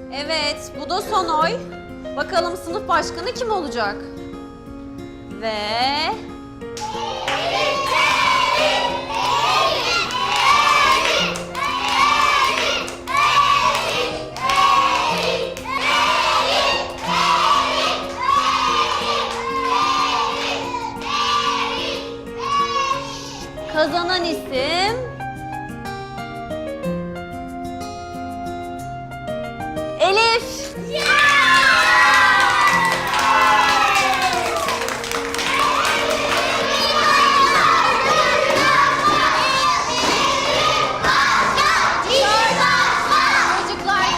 Evet, bu da son oy. Bakalım sınıf başkanı kim olacak? Ve... Kazanan isim... Elif. Çocuklar.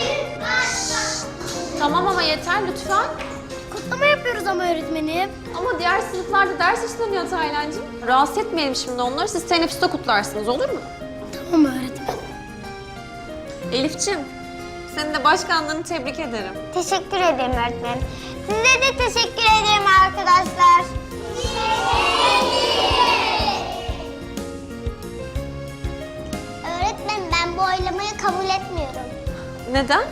Tamam ama yeter lütfen. Kutlama yapıyoruz ama öğretmenim. Ama diğer sınıflarda ders işleniyor Taylancığım. Rahatsız etmeyelim şimdi onları. Siz teneffüste kutlarsınız, olur mu? Tamam öğretmenim. Elif'ciğim, senin de başkanlığını tebrik ederim. Teşekkür ederim öğretmenim. Size de teşekkür ederim arkadaşlar. Öğretmenim ben bu oylamayı kabul etmiyorum. Neden?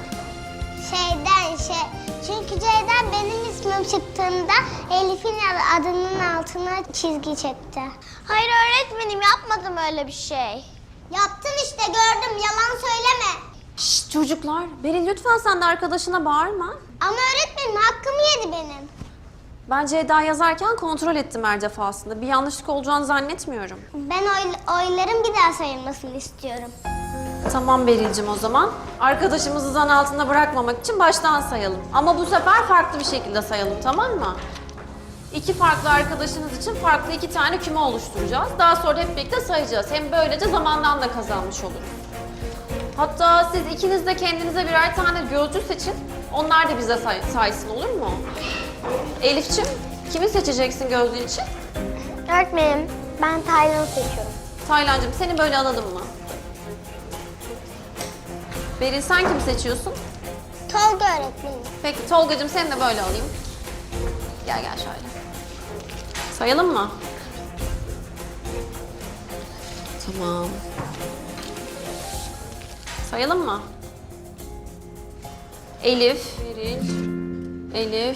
Çünkü C'den benim ismim çıktığında Elif'in adının altına çizgi çekti. Hayır öğretmenim yapmadım öyle bir şey. Yaptın işte gördüm yalan söyleme. Şşt çocuklar, Beril lütfen sen de arkadaşına bağırma. Ama öğretmenim hakkımı yedi benim. Ben Ceyda yazarken kontrol ettim her defasında. Bir yanlışlık olacağını zannetmiyorum. Ben oyların bir daha sayılmasını istiyorum. Tamam Beril'cim o zaman. Arkadaşımızı zan altında bırakmamak için baştan sayalım. Ama bu sefer farklı bir şekilde sayalım, tamam mı? İki farklı arkadaşınız için farklı iki tane küme oluşturacağız. Daha sonra hep birlikte sayacağız. Hem böylece zamandan da kazanmış oluruz. Hatta siz ikiniz de kendinize birer tane gözcü seçin. Onlar da bize saysın, olur mu? Elif'ciğim, kimi seçeceksin gözlüğün için? Öğretmenim ben Taylan'ı seçiyorum. Taylancığım seni böyle alalım mı? Beril sen kimi seçiyorsun? Tolga öğretmenim. Peki Tolgacığım seni de böyle alayım. Gel şöyle. Sayalım mı? Tamam. Sayalım mı? Elif, Beril, Elif,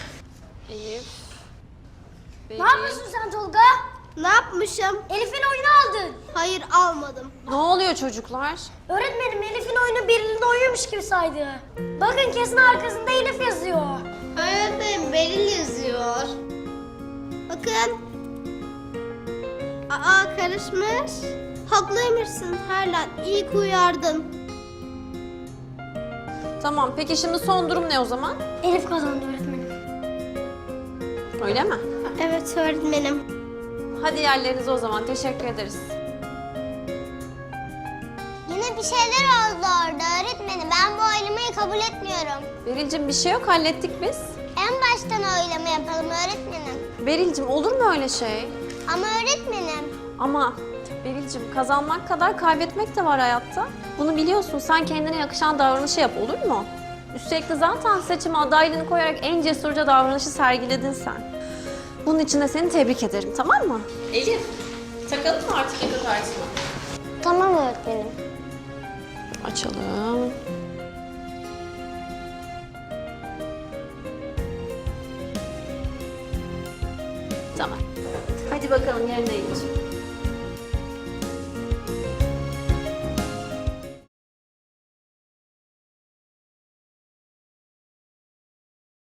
Beril. Ne yapıyorsun sen Tolga? Ne yapmışım? Elif'in oyunu aldın. Hayır almadım. Ne oluyor çocuklar? Öğretmenim Elif'in oyunu Beril'in oyunmuş gibi saydı. Bakın kesin arkasında Elif yazıyor. Öğretmenim Beril yazıyor. Bakın. Aa karışmış. Haklıymışsın Taylan. İyi ki uyardın. Tamam peki şimdi son durum ne o zaman? Elif kazandı öğretmenim. Öyle mi? Evet öğretmenim. Hadi yerlerinize o zaman. Teşekkür ederiz. Yine bir şeyler oldu orada öğretmenim. Ben bu oylamayı kabul etmiyorum. Beril'cim bir şey yok. Hallettik biz. En baştan oylama yapalım öğretmenim. Beril'cim olur mu öyle şey? Ama öğretmenim. Ama Beril'cim kazanmak kadar kaybetmek de var hayatta. Bunu biliyorsun. Sen kendine yakışan davranışı yap, olur mu? Üstelik de zaten seçime adaylığını koyarak en cesurca davranışı sergiledin sen. Bunun için de seni tebrik ederim, tamam mı? Elif, takalım mı artık yaka kartını? Tamam öğretmenim. Açalım. Tamam. Hadi bakalım yerine geç.